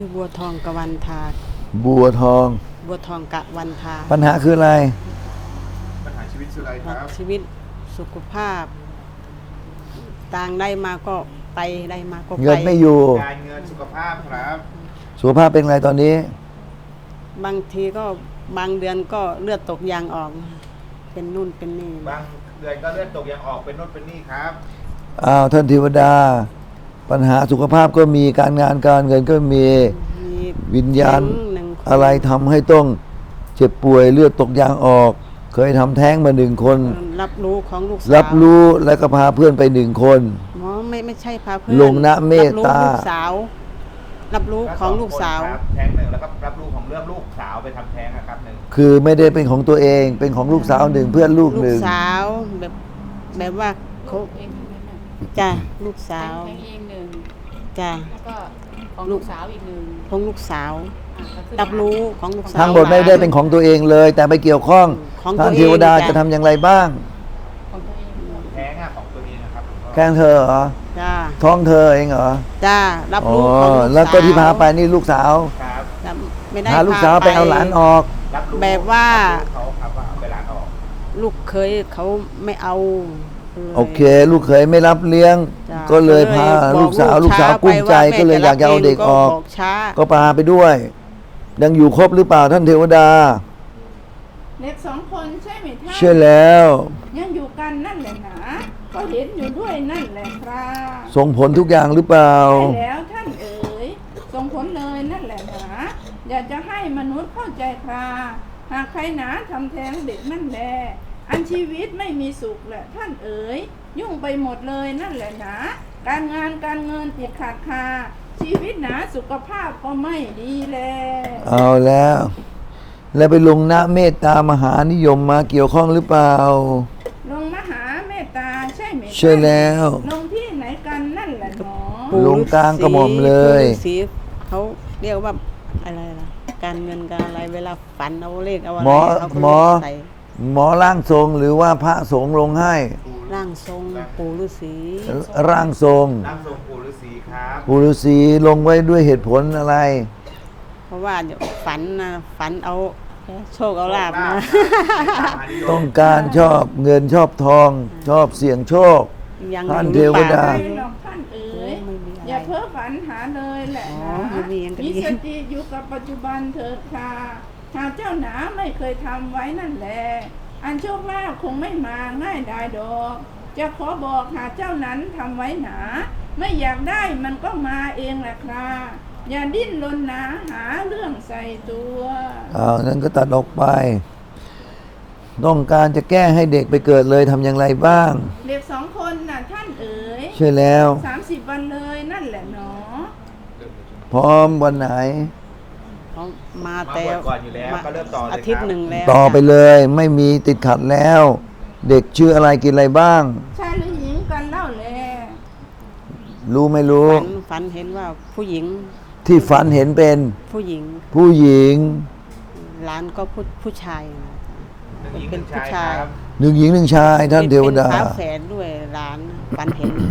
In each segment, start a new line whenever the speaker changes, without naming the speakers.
บัวทองกวันทา
บัวทอง
บัวทองกะวันทา
ปัญหาคืออะไร
ปัญหาชีวิตคืออะไรครับ
ชีวิตสุขภาพต่างได้มาก็ไปได้มาก็ไป
เงินไม่อยู่
การเงินสุขภาพครับ
สุขภาพเป็นไงตอนนี้
บางทีก็บางเดือนก็เลือดตกยางออกเป็นนู่นเป็นนี่
บางเดือนก็เลือดตกยางออกเป็นโน่นเป็นนี่ครับ
ท่านเทวดาปัญหาสุขภาพก็มีการงานการเงินก็มีวิญญาณอะไรทำให้ต้องเจ็บป่วยเลือดตกยางออกเคยทำแท้งมา1 คน
รับรู้ของลูกสาว
รับรู้แล้วก็พาเพื่อนไป1 คน
หมอไม่ใช่พาเพื่อน
ลงนะเมตตา
ลูกสาวรับรู้ของลูกสาว
แท้ง1แล้วก็รับรู้ของเรื่องลูกสาวไปทำแท้งนะครับ1
คือไม่ได้เป็นของตัวเองเป็นของลูกสาว1เพื่อนลูก1
ลูกสาวแบบว่าเขาจ้ะลูกสาว
แทงเอง1
จ้ะ
แล้วก็ของลูกสาวอีก1
ของลูกสาวรับรู้ของลูกสาว
ทั้งหมดไม่ได้เป็นของตัวเองเลยแต่ไปเกี่ยวข้องท่านเทวดาจะทำอย่างไรบ้าง
ของตัวเอง
แท้งของตัวเองนะครับ
แค่เธอเหรอ
จ้า
ท้องเธอเองเหรอ
จ้ารับรู้ของลูกสาว
แล้วก็ที่พาไปนี่ลูกสาว
ครับ
ไม่ได้
พาลูกสาวไปเอาหลานออก
แบบว่า
เขาครับว่าเอาไปหลานออก
ลูกเคยเขาไม่เอา
โอเคลูกเคยไม่รับเลี้ยงก็เลยพาลูกสาวกุ้มใจก็เลยอยากจะเอาเด็กออกก็พาไปด้วยยังอยู่ครบหรือเปล่าท่านเทวดา
เด็ก2 คนใช่ไหมท่าน
ใช่แล้ว
ยังอยู่กันนั่นแหละนะก็เห็นอยู่ด้วยนั่นแหละครับ
ส่งผลทุกอย่างหรือเปล่า
ใช่แล้วท่านเอ๋ยส่งผลเลยนั่นแหละนะอยากจะให้มนุษย์เข้าใจครับหากใครหนาทำแท้งเด็กนั่นแหละอันชีวิตไม่มีสุขแหละท่านเอ๋ยยุ่งไปหมดเลยนั่นแหละนะการงานการเงินติดขัดคาชีวิตหนาสุขภาพก็ไม่ดีแล้ว
เอาแล้วไปลงนะเมตตามหานิยมมาเกี่ยวข้องหรือเปล่า
ลงมหาเมตตาใช่ไหม
ใช่แล้ว
ลงที่ไหนกันนั่นแหละหนอ
ลงกลางกระหม่อมเลย
สีเขาเรียกว่าอะไรล่ะการเงินการอะไรเวลาฝันเอาเลขเอาอะไร
หมอร่างทรงหรือว่าพระสงฆ์ลงให้
ร่างทรงปู่ฤาษี
ร่างทรง
ปู่ฤาษีครับ
ปู่ฤาษีลงไว้ด้วยเหตุผลอะไร
เพราะว่าฝันเอาโชคเอาลาภนะ
ต้องการชอบเงินชอบทองชอบเสี่ยงโชคท่านเทวดา
ท่านเอ๋ยอย่าเพ้อฝันหาเลยแหละนะมีสติอยู่กับปัจจุบันเถิดค่ะหากเจ้าหนาไม่เคยทำไว้นั่นแหละอันโชคลาภคงไม่มาง่ายได้ดอกจะขอบอกหากเจ้านั้นทำไว้หนาไม่อยากได้มันก็มาเองแหละครับอย่าดิ้นรนหนาหาเรื่องใส่ตัว
นั้นก็ตัดออกไปต้องการจะแก้ให้เด็กไปเกิดเลยทำอย่างไรบ้าง
เด็ก2 คนน่ะท่านเอ๋ย
ใช่แล้ว
30 วันเลยนั่นแหละเนาะ
พร้อมวันไหน
เขามาแต่
ก่อนอยู่แล้วก็เริ่มต่อ
อาทิตย์1แล้ว
ต่อไปเลยไม่มีติดขัดแล้วเด็กชื่ออะไรกินอะไรบ้าง
ชายหรือหญิงกันเล่าแล
รู้ไม่รู้
ฝันเห็นว่าผู้หญิง
ที่ฝันเห็นเป็น
ผู้หญิงหลานก็ผู้ชาย
เป็นผู้ชาย
1 หญิง 1 ชายท่านเทวดา
เป็นฝาแฝดด้วยหลานฝันเห็น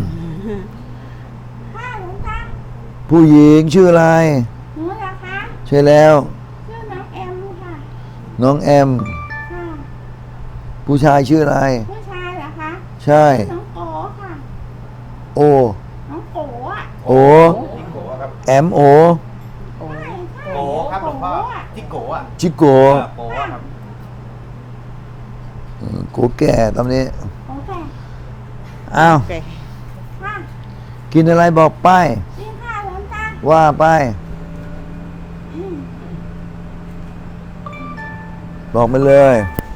ผู้หญิงชื่ออะไร
หนูเหรอคะ
ใช่แล้ว
ชื่อน้องแอมค่ะ
น้องแอมผู้ชายชื่ออะไร
ผู้ชายเหรอคะ
ใช่
น้องโอค่ะ
โอ
น้องโอ
โอแอมโอ
โกครับหลวงพ่อจิโกะ
จิโกะ
โกะครับ
โกแก่ตอนนี้
โอเค
อ้าวกินอะไรบอกไป
กินข้าวหลวงตา
ว่าไปบอกมาเลย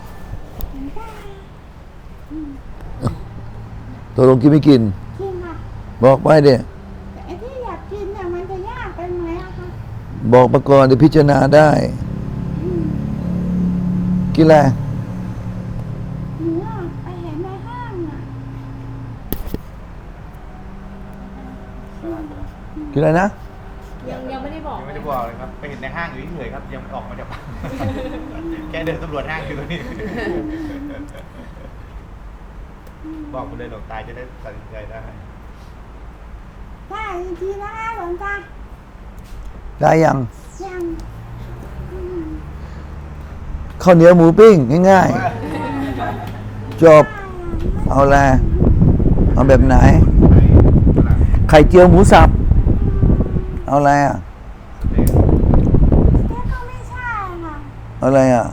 ตกลงกินไม่กินบอกไปเดี๋ย
ไอ้ที่อยากกินเนี่ยมันจะยากเป็นไหมอะคะ
บอกมาก่อนเดี๋ยวพิจารณาได้กินอะไร
หนูไปเห็นในห้างอะ
กินอะไรนะ
ยังไม่ได้บอก
เลยครับไปเห็นในห้างอยู่เฉยๆครับยังออกมาจากแค่เดินตำรวจห้างอยู่ตรงนี้บอกคุณเลยหลวงตาจะได้ตัดสินใจได้
ได้จริงๆนะคะหลวงตา
ได้ยัง
ยัง
ข้าวเหนียวหมูปิ้งง่ายๆจบเอาอะไรเอาแบบไหน ไข่เจียวหมูสับเอาอะไรอ่ะ
แต่ก็ไม่ใช่ค่ะ
เอาอะไรอ่ะ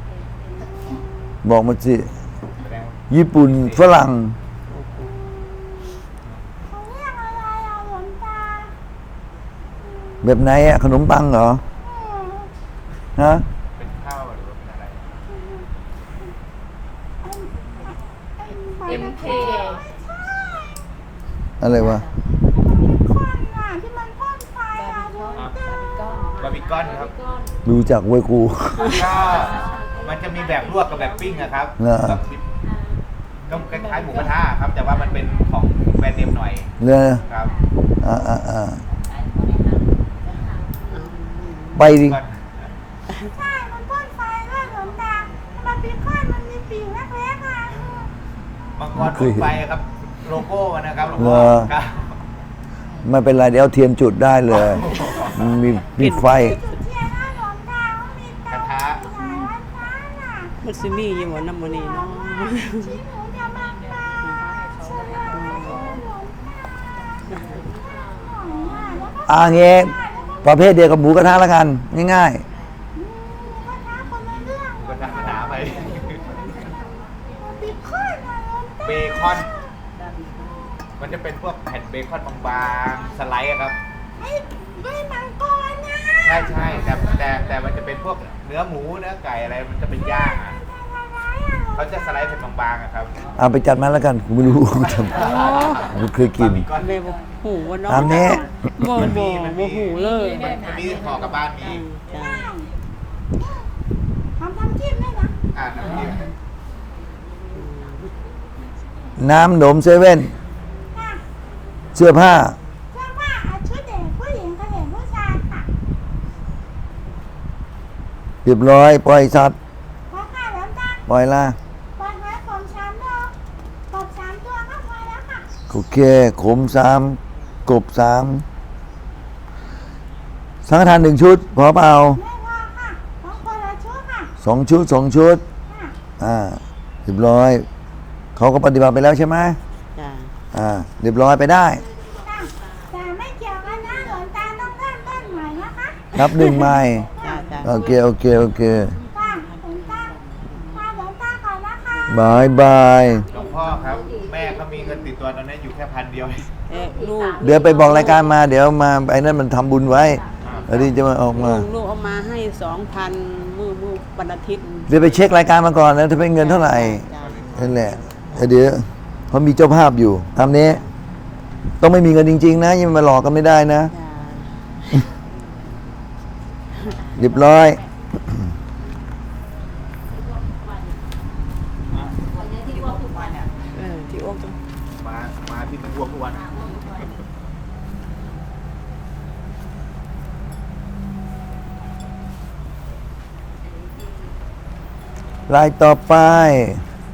บอกมาสิญี่ปุ่นฝรั่ง
เขาเรียกอะไรอ่ะหลวงตา
แบบไหนอ่ะขนมปังเหรอ ฮะ
เป็นข้าวหรือว่าเป็นอะไร
MK
อะไรวะ
ควันอ่ะที่มันพ่นไฟอ่ะหลวงตา
บาร์บีคอนครับ
รู้จักเว้ยกู
ก็มันจะมีแบบลวกกับแบบปิ้งอะครับ
เหรอ
ก็คล้ายๆหมูกระทะครับ แต่ว่ามันเป็นของแบรนด์เนมหน่อย
เลย
ครับ
ไปดิ
ก็
ใช่มันพ่นไฟด้วยหลวงตามันเป็นควันมันมีปีกเล็กๆอ่ะ
มังกรไฟครับ โลโก้มันนะครับโล
เหร
โก้
อ
ครับ
ไม่เป็นไรเดี๋ยวเอาเทียนจุดได้เลยมันมีไฟ
จุดเทียนนะหลวงตาเขามี
กระทะ
หลายวันฟ้าน่ะ
มันซิมีอยู่หมดน้ำมันนี่เนาะ
ชิ้นหนูจะมาปลาใช่ไหมหลวงตาแล้วก็
เงี้ประเภทเดียวกับหมูกระทะแล้วกัน ง่าย
ก็ท้าคนละเรื่อง
ก็จะหาไป
ปีคอนอ่ะหลวงตา
เบคอน มันจะเป็นพวกแผ่นเบคอนบางๆ สไลด์อะครับ
ไม่มังกรนะ
ใช่แต่มันจะเป็นพวกเนื้อหมูเนื้อไก่อะไร มันจะเป็นย่างอะเขาจะสไลด์เป็นบางๆอะครับ
ๆ เอาไปจัดมาแล้วกันกูไม่รู้กูทำกูเคยกิน
บาร์บีคอน
เลยบอกหูว่าเนาะ
ตามนี้
บ่
มัน
บ่
มัน
บ่หูเลย
มันมีห่อกับบ้านมี
จ้า
ทำจิ้มได้นะ
น้ำจิ้ม
น้ำหนมเซเว่น
ค่ะ
เสื้อผ้า
เชื่อว่าเอาชุดเด็กผู้หญิงกับเด็กผู้ชายค่ะ
เรียบร้อย ปล่อยสัตว์
พอค่ะหลวงตา
ปล่อยละ
ปล่อยไว้ผมช้ำเนาะกบ3 ตัวก็พอแล้วค่ะ
โอเค ขม3 กบ3 สังฆทาน1 ชุด พอเปล่า
ไม่พอค่ะต้องคนละชุดค่ะ
2 ชุด 2 ชุด
ค่ะ
เรียบร้อย เขาก็ปฏิบัติไปแล้วใช่ไหม
จ้า
เรียบร้อยไปได้
ค่ะแต่ไม่เกี่ยวกันนะหลวงตาต้องเริ่มต้นใหม่นะคะ
นับหนึ่งใหม่
จ้าจ้า
โอเค โอเค โอเค
ค่ะหลวงตาค่ะหลวงตาก่อนนะคะ
บายบาย
หลวงพ่อครับ แม่เขามีเงินติดตัวตอนนี้อยู่แค่1,000 เดียว
ลูก
เดี๋ยวไปบอกรายการมา เดี๋ยวมาไอ้นั่นมันทำบุญไว้อันนี้จะมาออกมา
ลูกเอามาให้ 2,000มื้อวันอาทิตย์
เดี๋ยวไปเช็ครายการมาก่อนนะถ้าเป็นเงินเท่าไหร่
จ้า
นั่นแหละเดี๋ยวเขามีเจ้าภาพอยู่ตามนี้ ต้องไม่มีเงินจริง ๆ นะยังมาหลอกกันไม่ได้นะ
จ้า
เรียบร้อย
ที่โอ๊กจ้ะ
มาที่มันอ้วกทุกวัน
รายต่อไป